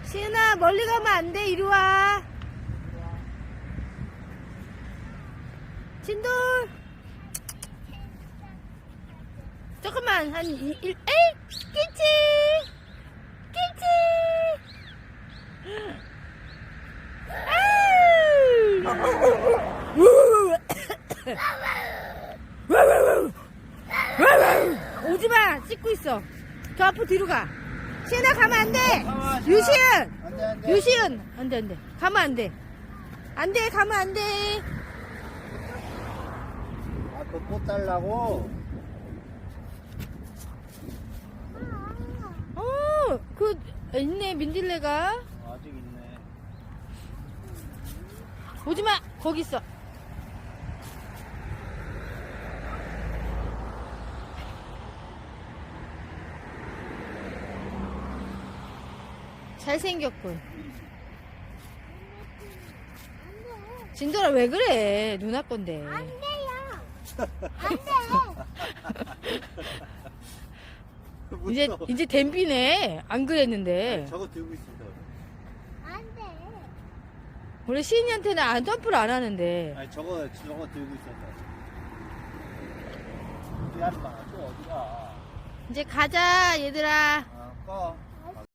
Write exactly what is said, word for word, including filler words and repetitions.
시은아, 멀리 가면 안 돼. 이리 와. 진돌. 조금만, 한, 일, 일, 에이! 끼치! 끼치! 오지마! 씻고 있어. 저 앞으로 뒤로 가. 시은아, 가면 안 돼! 유시은! 안 돼, 안 돼. 유시은! 안 돼, 안 돼. 가면 안 돼. 안 돼, 가면 안 돼. 아, 그 꽃 달라고? 어, 그, 있네, 민들레가. 아직 있네. 오지마! 거기 있어. 잘생겼군. 진돌아, 왜 그래? 누나 건데. 안 돼요. 안 돼. 이제, 무서워. 이제 댐비네. 안 그랬는데. 저거 들고 있어. 안 돼. 원래 시인이한테는 안 점프를 안 하는데. 아니, 저거, 저거 들고 있었다. 어디 가는 거야? 또 어디가? 이제 가자, 얘들아. 아, 꺼.